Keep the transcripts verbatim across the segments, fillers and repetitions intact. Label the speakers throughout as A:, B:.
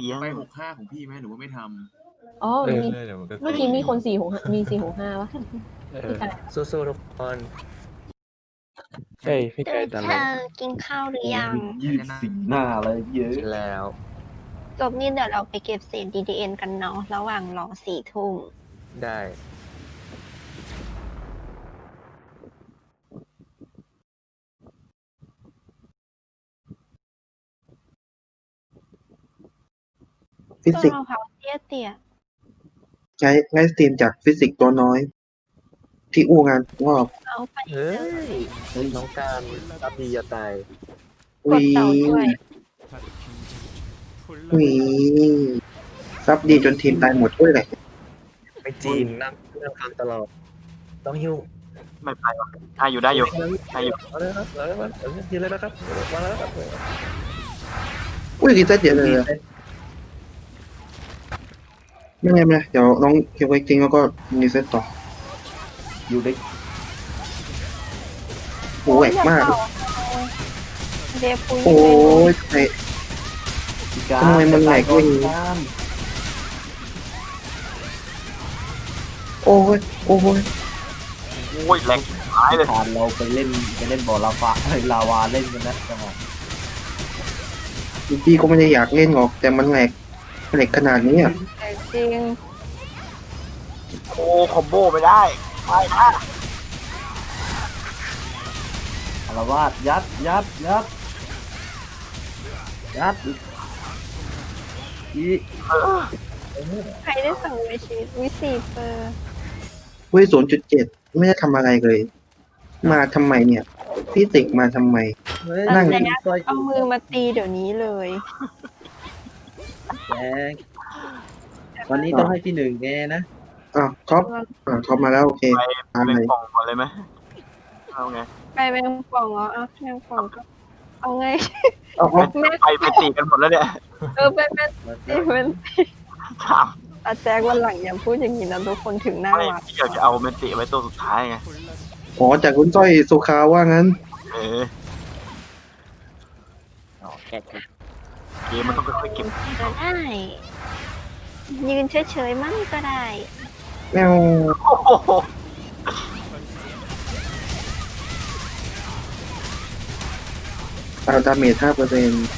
A: ลี้ยง
B: ไปหกห้าของพี่ไหมหรือว่าไม่ท
C: ำอ๋อมีเมื่อกี้มีคนสี่หกมีสี่หกห้าวะพี่กาย
D: สู้ๆทุกคน
E: ใช่พี่ไก่ตอน
F: เธ
E: นั้น
F: อกินข้าวหรือยัง
G: ยืดสีหน้าเลยเยอะ
D: กินแล้ว
F: จบนี่เดี๋ยวเราไปเก็บเศษ ดี ดี เอ็น กันเนาะระหว่างรอสี่ทุ่ม
D: ได้
H: ฟิ
F: ต้น
H: สิกส์
F: มะพร้าวเตี้ยเตี้ย
H: ใช้ใช้สตรีมจากฟิสิกส์ตัวน้อย ที่อู้งานงอก
F: เอาไปเล
D: เฮ้ย
F: ย
D: น้องการรับดีจะตาย
F: กดเต่าด้วย
H: หวีซับดีจนทีมตายหมดด้วยเลย
D: ไม่จีนนั่งนั่งทำตลอด ต้องหิ้ว
A: ไม่ไปหรอกได้อยู่ได้อยู่ได้อยู่
D: เอาเลยครับเอาเลยครับเอาเลยยืนเลยนะครับมาแล้วครับ
H: อุ้ยดีเซตเยอะเลยอะไม่ไงไม่ไงเดี๋ยวน้องเก็บไว้จริงแล้วก็ดีเซตต่อ
G: อยู่ได้
H: โหแหวกมาก
F: เดฟุย
H: โอ้ยไอ้ ทำไมมันแหลกด้วย โอ้ยโอ้ย
A: โอ้ยแรงหายเลย
G: ผ่านเราไปเล่นไปเล่นบ่อลาวาเฮ้ยลาวาเล่นกันนะจังหวะ
H: พี่ก็ไม่ได้อยากเล่นหรอกแต่มันแหลกแหลกขนาดนี้อ่ะ
F: แต่จริง
A: โอ้คอมโบไม่ได้ไม่นะ
G: อารวาสยัดยัดยัดยัดอี
F: ใครได้สั่งไว้ชีวิตวิสีเปอร์
H: เว้ยศูนย์จุดเจ็ดไม่ได้ทำอะไรเลย มาทำไมเนี่ยฟิสิกส์มาทำไม
D: เฮ้ย
H: นั่ง
F: แต่เอามือมาตีเดี๋ยวนี้เลย
G: แจ๊กวันนี้ต้องให้พี่หนึ่งแกนะ
H: อ้าวท็อปอ่าท็อปมาแล้วโอเค
A: ไป
H: ตาม
A: เป็น
H: เลย
A: กล่องก่อนเลยไหมเอาไง
F: ไปแมงป่องเหรอเอาแมงป่องก็เอาไง
H: เอาเอา
F: แม่
A: ไปไปตีกันหมดแล้วเนี่ย
F: เออไปแม่ตีมัน
A: ถาม
F: อาแจ๊กวันหลังอย่าพูดอย่างนี้นะทุกคนถึงหน้า
A: ไม่
F: วัด
A: พี่อยากจะเอาเมนติไว้ตัวสุดท้ายไง
H: อ๋อจากคุณจ้อยสุขาว่างั้น
A: เออ
D: อ๋อแก๊ก
A: เกมมันต้องค่อยๆเก็บ
F: ก็ได้ ยืนเฉยๆมั่งก็ได้
H: แมว
A: โอ้โห
H: ตาดาเมจห้าเปอร์เซ็นต์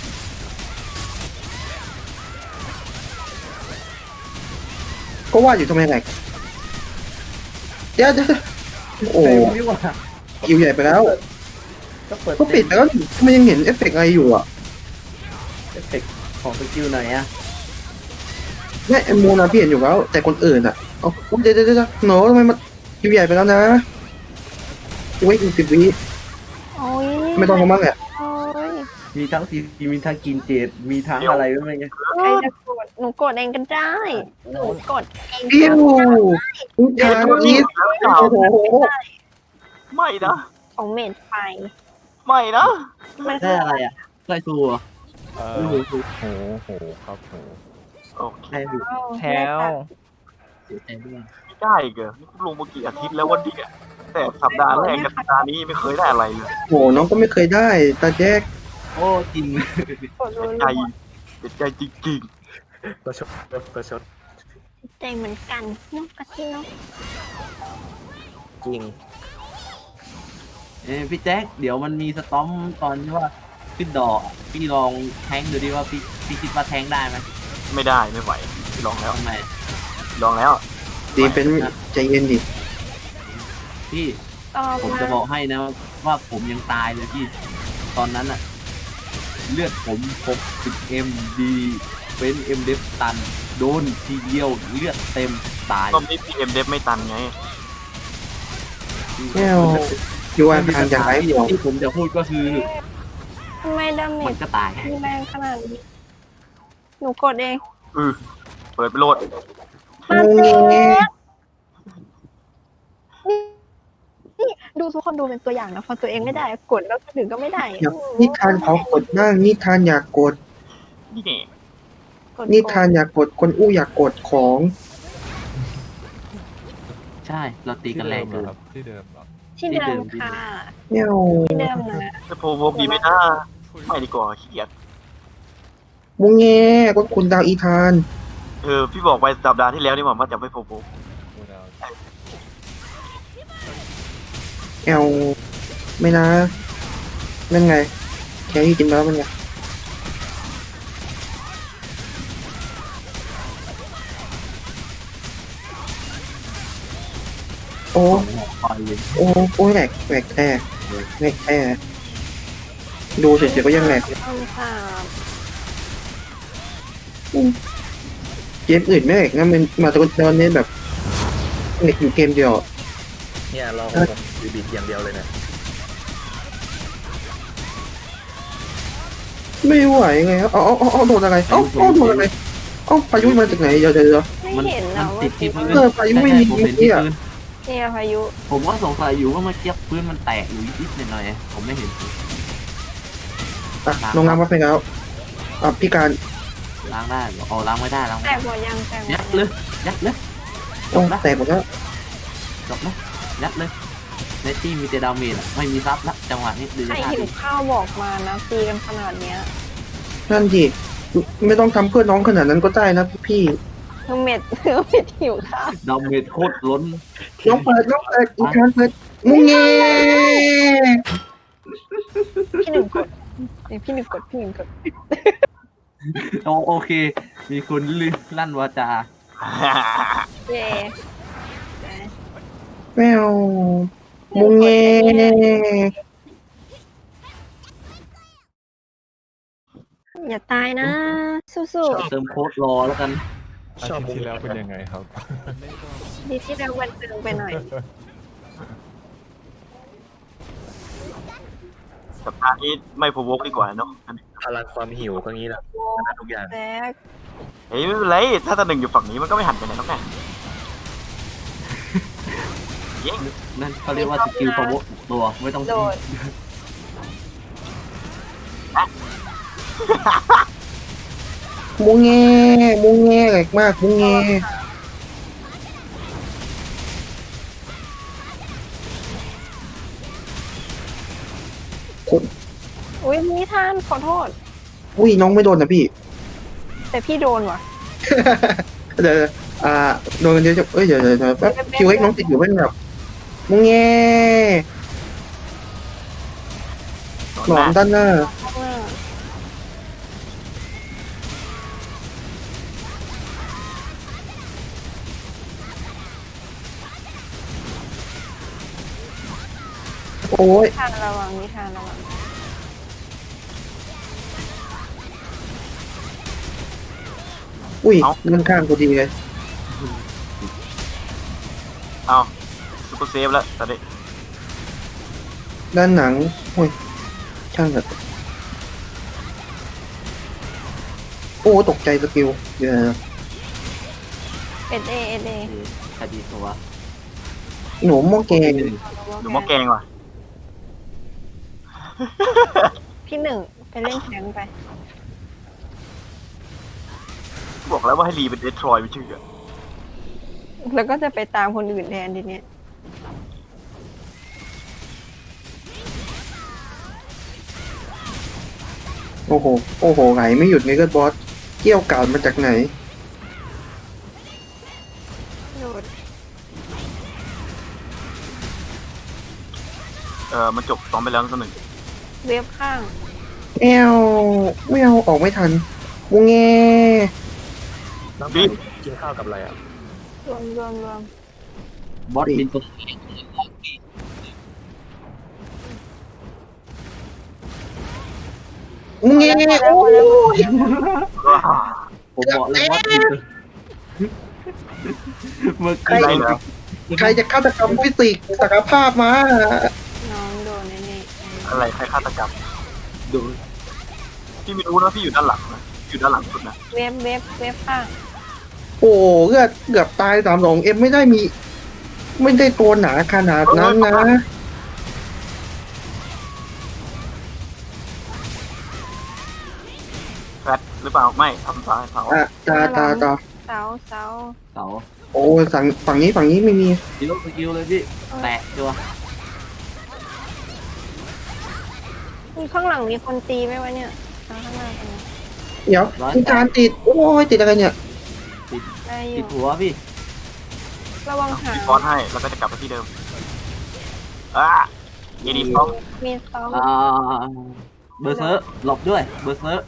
H: ก็ว่าอยู่ทำไมแหลกเดี๋ยวเดี๋ยวโอ้
G: เต็มนี่หว่า
H: คิวใหญ่ไปแล้ว
G: ก็เปิด
H: ก็ปิดแล้วทำไมยังเห็นเอฟเฟกต์อะไรอยู่อ่ะ
G: เอฟเฟกต์ของสกิลไหนอะ
H: แม่ไอโมนาพี่เห็นอยู่แล้ว แต่คนอื่นอ่ะเอาเดี๋ยวเดี๋ยวเดี๋ยวโหนทำไมมันคิวใหญ่ไปแล้วนะไว้อีกสิบวิ
F: โอ้ย
H: ไม่ต้องทำมากแหละ
F: โอ้ย
G: มีทั้งซีมีทั้งกินเจดมีทั้งอะไรไม่ไง
F: ใครจะกดหนูกดเองก็ได้ หนูกดเอง
H: อิ้ว
F: ก็ได้
H: ทุกอย่างคิด
A: แล้วเปล่า
H: โอ้โห
A: ไม่นะ
F: ของเมดไฟ
A: ไม่นะ
F: มัน
G: ได้อะไรอ่ะไส้ตัว
E: เออโหโหครับโห
A: โอเค
G: ไส้ดู
C: แถว
G: เสียใจด้วย
A: ไม่ได้เกอนี่ลงมากี่อาทิตย์แล้ววันนี้อะแต่สัปดาห์แรกกับสัปดาห์นี้ไม่เคยได้อะไรเลย
H: โหน้องก็ไม่เคยได้ตาแจ๊ก
G: โอ้จริง
F: กดรั
A: ใจ
F: ว
A: เจ็บใจจริง
D: ประชดประชด
F: ๆใจเหมือนกันเนกกะทิเนาะ
D: จริง
G: เอ้ยพี่แจ็คเดี๋ยวมันมีสตอมตอนที่ว่าขึ้นดอกอะพี่ลองแทงดูดิว่าพี่พี่คิดว่าแทงได้ไหม
A: ๆ ไม่ได้ไม่ไหวลองแล้ว
G: ทำไม
A: ลองแล้ว
H: ดีเป็นใจเย็นดิ
G: พี่
F: ตอบ
G: ผม
F: มา
G: จะบอกให้นะว่าผมยังตายเลยพี่ ตอนนั้นอะเลือดผมหกสิบเอ็มดีเป็นเอ็มเดฟตัน โดนทีเดียวเลือดเต็มตาย
A: ก็ไม่พีเอ็มเดฟไม่ตันไง
H: แมวอยู่อันทางอย่างไรห่วง
G: ที่ผมจะพูดก็คือ
F: ทำไมดาเม
G: มัน
F: จ
G: ก็ตาย
F: มีแรงขนาดนี้ หนูกดเอง
A: อือเปิดไปโหลด
F: มาเจ๊นี่นี่ดูทุกคนดูเป็นตัวอย่างนะพอตัวเองไม่ได้ กดแล้วคนอื่นก็ไม่ได้
H: อยากนิทานขอกดบ้างนิทานอยากกด
A: นี่ไง
F: กด
H: นิทานอยากกดคนอู้อยากกดของ
G: ใช่เราตีกันแรงเกิน
E: ครับที่เดิมเหรอ
F: ที่เดิมค่ะ
H: แมว
F: ที่เดิมนะ
A: จะโพวกดีไหมนะไม่ดีกว่าขี้เกียจ
H: มุงแงก็คุณดาวอีธาน
A: เออพี่บอกไปสัปดาห์ที่แล้วนี่หว่าว่าจะไม่โปรโปร
E: กูดาว
H: แอลไม่นะนั่นไงแครี่กินแล้วมันไงโอ้
G: ไปเลย
H: โอ้โอ้แหลกแหลกแท้แหลกแท้ดูเฉยๆก็ยังแหลก
F: ต้องค่ะ
H: เกมอื่นไม่แหลกนะมันมาตอนตอนนี้แบบแหลกอยู่เกมเดียว
D: เนี่ยลองผมบีบิดอย่างเดียวเลยนะ
H: ไม่ไหวไงครับเอาเอาเอาเอาโดนอะไรเอ้าเอาโดนอะไรเอ้าพายุมาจากไหนเดี๋ยวเดี๋ยวเดี๋ยว
F: ไม่
G: มัน
F: เห็น
G: มั
F: นะ
G: น
F: ว่า
G: ติดที่พื้น
H: เออพายุไม่มี
G: ผมเห็น
H: เมื่อกี้
G: ที่
H: อะ
G: พื้น
F: เนี่ยพายุ
G: ผมก็สงสัยอยู่ว่าเมื่อกี้พื้นมันแตกอยู่นิดๆหน่อยๆผมไม่เห็น
H: อ่ะลงน้ำมาไปแล้วอ่ะพี่การ
G: ล้างได้เหรออ๋อล้างไม่ได้ล้างไม่
F: แต่
G: ได้
F: หมดยังแต่หมด
G: ยั
F: ยั
G: ด
F: ง
G: เลยยัดเลย
H: โอ้แตกหมดแล้ว
G: จบนะยัดเลยเนตตี้มีแต่ดาเมจอะไม่มีซับละจังหวะนี้ดู
F: ใคร
G: ท่า
F: หิว
G: ดิ
F: ข้าวบอกมานะตีกันขนาดเนี้ย
H: นั่นดิไม่ต้องทำเพื่อน้องขนาดนั้นก็ได้นะพี่
F: เธอเม็ดเธอเม็ดหิวข้าว
G: ดาเมจโคตรล้น
H: น้องเปิดน้องเปิดอีกครั้งเปิดมุงเง
F: พี่หนึ่งกดเดี๋ยวพี่หนึ่งกดพี่หนึ่งกด
G: โอโอเค มีคนลือลั่นวาจา
F: เย่
H: แมวมุงเง
F: อย่าตายนะ สู้
G: เติมโค้ดรอแล้วกัน
E: อาทิตย์ที่แล้วเป็นยังไงครับ
F: ๆดีที่เราวันตึงไปหน่อย
A: สัปดาห์นี้ไม่โปรโวกดีกว่าเนาะอันนี้
D: พลังความหิวก็งี้แหละชนะทุกอย่าง
F: แซก
A: เฮ้ยไม่เป็นไรถ้าตาหนึ่งอยู่ฝั่งนี้มันก็ไม่หันไปไหนหรอกแม่ยิง
G: นั่นเขาเรียกว่าสกิลพาวเวอร์ตัวไม่ต้อง
F: โดด
H: มุงเงมุงเงแหลกมากมุงเงคน
F: อุ้ยนิทานขอโทษ
H: อุ้ยน้องไม่โดนนะพี่
F: แต่พี่โดนว่ะ
H: เดี๋ยวอ่าโดนกันเยอะจังเอ้ยเดี๋ยวเดี๋ยวเดี๋ยวแป๊บคิวเอ็กน้องติดอยู่เป็นแบบมุงเง
A: โดน
H: หนอ
A: หน้าม
H: ด้านหน้า
F: ข้างหน้า
H: โอ้ย
F: นิทานระวังนิทานระวัง
H: อุ้ยด้านข้างพอดีเลย
A: เอาซูเปอร์เซฟแล้วตอนนี้
H: ด้านหนังโอ้ยช่างเถอะโอ้ตกใจสกิลเดี๋ยวนะ
F: เอเอเอเอ
G: คดีตัว
H: หนูหม้อแกง
A: หนูหม้อแกงว่ะ
F: พี่หนึ่งไปเล่นแทงค์ไป
A: บอกแล้วว่าให้รีเป็นเดทรอยไม่เชื่อ
F: แล้วก็จะไปตามคนอื่นแทนทีเนี้ย
H: โอ้โหโอ้โหไหลไม่หยุดไงก็บอสเกี่ยวกาดมาจากไหน
F: โดด
A: เออมันจบซ้อมไปแล้วตัวหนึ่ง
F: เวฟข้าง
H: แอวไม่เอาออกไม่ทันมุงเง
D: น้ำมันกินข้าวกับอะไรอ่ะ
F: รวมรวมรวม
G: บอสบินตัว
H: มุงเงโอ้ย
G: ผมบอกเลยบอสบินตัวเมื่อ
H: ใคร
G: กี้
A: ได้แล้ว
H: ใครจะฆาตกรรมฟิสิกส์ศักยภาพมา
F: น้องโดนแน่
A: อะไรใครฆาตกรรม
G: ดู
A: พี่ไม่รู้นะพี่อยู่ด้านหลังนะอยู่ด้านหลังสุดนะ
F: ๆเวฟเวฟเวฟข้าง
H: โอ้เลือดเกือบตายสามสองเอ็มไม่ได้มี ไม่ได้ตัวหนาขนาดนั้นนะ
A: แฟตหรือเปล่าไม่ทำซ้ายเผา
H: อ่ะตาตาตา
F: เสาเสา
G: เสา
H: โอ้ฝั่งฝั่งนี้ฝั่งนี้ไม่มี
G: ดิโลสกิลเลยพี่แตะตัว
F: มีข้างหลังมีคนตีไหมวะเนี่ยข้างหน้าตรงนี้
H: เดี๋ยวคุณการติดโอ้ยติดอะไรเนี่ย
F: ได้อ
G: ติด
F: ยู่
G: หัวพี่
F: ระวังหาง
A: ฟอนให้แล้วก็จะกลับไปที่เดิมอ่ะเอดีฟอน
F: มีซ้อม
G: อ่าเบอร์เซอร์หลบด้วยเบอร์เซอร์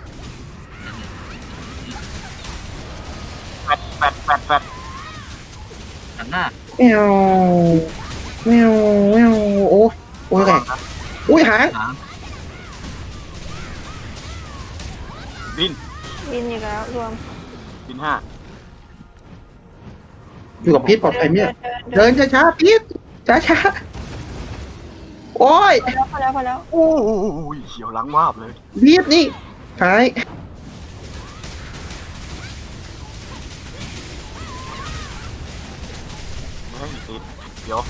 A: แฟดแฟดแฟดแฟด
G: หันหน้า
H: แมวแมวแมวโอ้โอ้ยแรงอุ้ยหาง
G: หาง
A: บิน
F: บินอีกแล้วรวม
A: บินห้า
H: อยู่กับพีทปลอดภัยเนี่ย
F: เดิน
H: เดินช้าๆพีทช้าๆโอ้ย
F: พอแล้วพอแล้วพอแล้ว
A: โอ้ยเขียวหลังวาบเลย
H: พีทนี่หาย
A: ไม่ให้ติดเดี๋ยว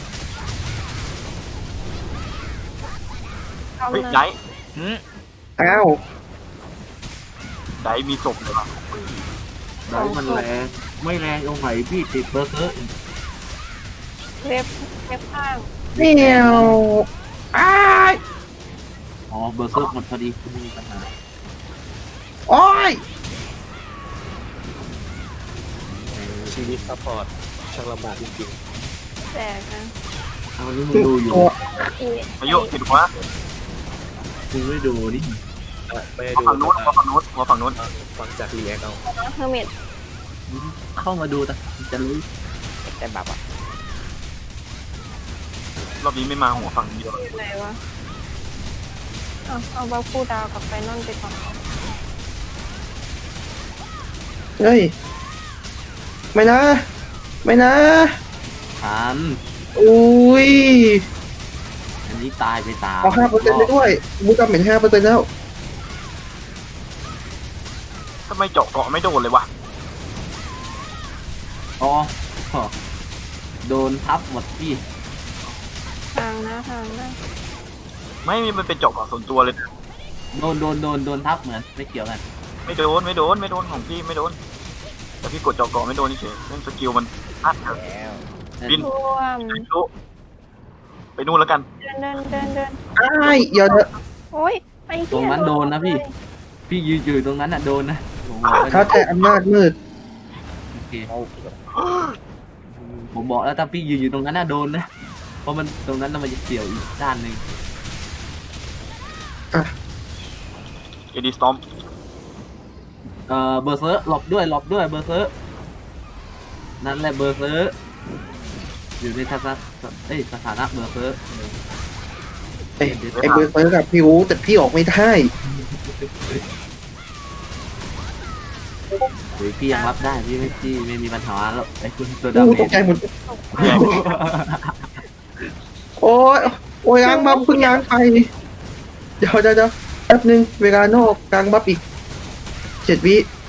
F: ซ้อม
A: เฮ้ย
F: นะ
A: ได
H: อ้าว
A: ไดมีศพเลยวะ
G: ได้มันแรงไม่แรงตรงไหนพี่ติดเบอร์เซอร์
F: เล็บเล็บข้าง
H: แมวอ้าย
G: อ๋อเบอร์เซอร์หมดพอดีไม่มีปัญหา
H: โอ้ย
D: ชีวิตซัพพอร์ตช่างลำบากจริง
F: แตกนะ
G: เอานี่มึงดูอยู่
H: ตัว
F: อี
A: อายุติดหัว
G: มึงไม่ดูนี่
D: ๆอ่ะไม่ได้
A: หัว
D: ดู
A: ฝั่งนู้นหัวฝั่งนู้นหัวฝั่งนู้น
D: ฟังจากรีแอคเอา
F: เฮอร์เมด
G: เข้ามาดูแต่จะรู้
D: แต่แบบอ่ะ
A: รอบนี้ไม่มาหัวฝั่งเดียว
F: อยู่ไหนวะเอาเอาบาคูดาวกับไฟนอลไปก่อน
H: เฮ้ยไม่นะ ไม่นะ
G: ทัน
H: อุ้ย
G: อันนี้ตายไปตาม
H: เอาห้าเปอร์เซ็นต์ไปด้วยมูจำเป็นห้าเปอร์เซ็นต์แล้ว
A: ทำไมเจาะเกาะไม่โดนเลยวะ
G: อ๋อโดนทับหมดพี่
F: ทางนะทางนะ
A: ไม่มีมันเป็นเจาะเกาะส่วนตัวเลย
G: โดนโดนโดนโดนทับเหมือนไม่เกี่ยวกัน
A: ไม่โดนไม่โดนไม่โดนของพี่ไม่โดนแต่พี่กดเจาะเกาะไม่โดนเฉยเรื่องสกิลมันพลาดเถอะบิน
F: รวม
A: ไม่รู้ไปนู่นแล้วกัน
F: เดินเดินเดินเดิน
H: อ้ายเดี๋ยวเถอะ
F: โอ้ยไอ้เหี้ย
G: ตรงนั้นโดนนะพี่ พี่ยืนอยู่ตรงนั้นอ่ะโดนนะผมบอกแล้ว
H: ท้าแต่อำนาจมืด
G: โอเคผมบอกแล้วถ้าพี่ยืนอยู่ตรงนั้นน่ะโดนนะเพราะมันตรงนั้นน่ะมันจะเสี่ยวอีกด้านหนึ่ง
A: เอดีสตอม
G: เอ่อเบอร์เซอร์หลบด้วยหลบด้วยเบอร์เซอร์นั่นแหละเบอร์เซอร์อยู่ในทัศนะเอ้ยสถานะเบอร์เซอร์
H: ไอ้ไอ้เบอร์เซอร์กับพี่รู้แต่พี่ออกไม่ได้
G: หรือพี่ยังรับได้พี่ไม่พี่ไม่มีปัญหาแล้วไอ้คุณตัว
H: โอ้
G: ดำ
H: ตกใจหมดโอ้ยโอ้ยล้างบัฟเพิ่งล้างไปเดี๋ยวเดี๋ยวเดี๋ยวแป๊บนึงเวลานอกกลางบัฟอีกเจ็ดวิ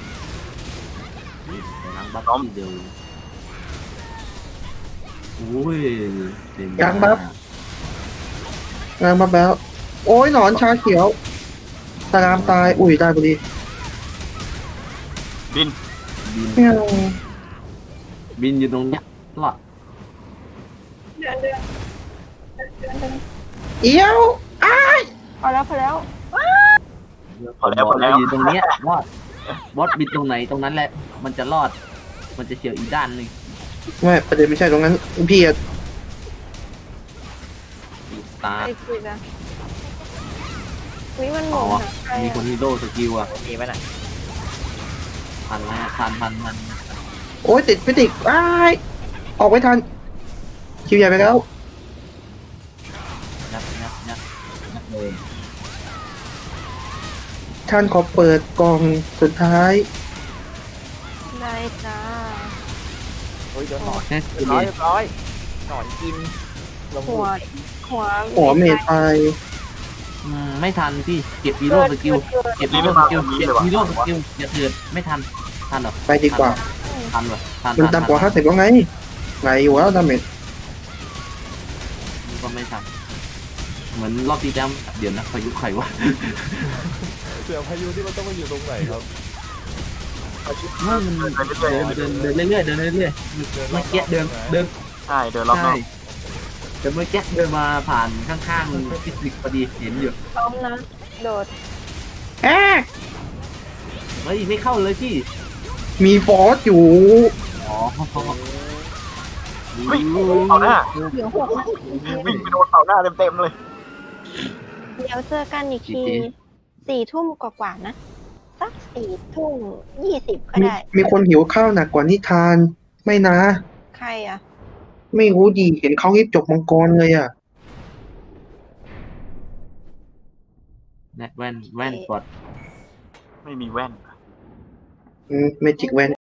G: ล้างบัฟทีเดียวโอ้ยเต็ม
H: กลางบัฟกลางบัฟแล้ว โอ้ยหนอนชาเขียวตารามตายอุ้ยได้พอดี
A: บิน
G: บิน
H: แมว
G: บินอยู่ตรงเนี้ยรอด
F: เดินเดินเดินเดินเดิน
H: เอี้ยวอ้าย
F: พอแล้วพอแล้ว
A: พอแล้วพอแล้ว
G: อยู่ตรงเนี้ยรอดบอสบินตรงไหนตรงนั้นแหละ มันจะรอด มันจะเฉียวอีกด้านหนึ่ง
H: ไม่ประเด็นไม่ใช่ตรงนั้นพี่อะ
G: ตา
F: ไอ้คุยนะวิมันห
G: อ๋
F: มุ
G: อน
F: หาใคร
G: มีคนฮีโร่สกิลอ่ะ
D: มีไหมน่ะ
G: พันนะพันพันพัน
H: โอ้ยติดพิติกอ้ายออกไม่ทันคิวใหญ่ไปแล้ว
G: นับนับนับนับเลย
H: ท่านขอเปิดกล่องสุดท้าย
F: ได้จ้า
D: เฮ้ยเดี๋ยวหนอน
G: แค่
D: เรียบร้อยเรียบร้อยหนอนกินลง
F: หัวหัว
H: หัวเมทไป
G: อืมไม่ทันพี่เก็บฮีโร่สกิลเก็บฮีโร่สกิลเก็บฮีโร่สกิลอย่าเถื่อนไม่ทันทันเหรอ
H: ไปดีกว่า
G: ทันเหรอทัน
H: มันต่ำกว่าห้าสิบแล้วไงไหลอยู่แล้วดาเมจ
G: ก็ไม่ทันเหมือนรอบที่แล้วเดี๋ยวนะพายุใครวะ
E: เสือพายุที่มันต้องมาอยู่ตรงไหนครับ
G: ว่ามันเดินเดินเดินเรื่อยๆเดินเรื่อยๆเมื่อกี้เดินเดิน
A: ใช่เดินรอบน
G: ใช่
A: อก
G: แต่เมื่อกี้เดินมาผ่านข้างๆฟิสิกส์พอดีเห็นอยู่
F: ซ้อมนะโดด
H: แอ๊ก
G: เฮ้ยไม่เข้าเลยพี่
H: มีฟอสอยู่
G: อ๋อ
A: เฮ้ยเต่าหน้า
F: เดี๋ยวหกนะ
A: วิ่งไปโดนเต่าหน้าเต็มๆเลย
F: เดี๋ยวเจอกันอีกทีสี่ทุ่มกว่าๆนะ สักสี่ทุ่มยี่สิบก็
H: มี
F: ได้
H: มีคนหิวข้าวหนักกว่านิทาน ไม่นะ
F: ใครอ่ะ
H: ไม่รู้ดีเห็นเขารีบจบมังกรเลยอ่ะ
G: แว่นแว่นกด
A: ไม่มีแว่น
H: อืมเมจิกแวน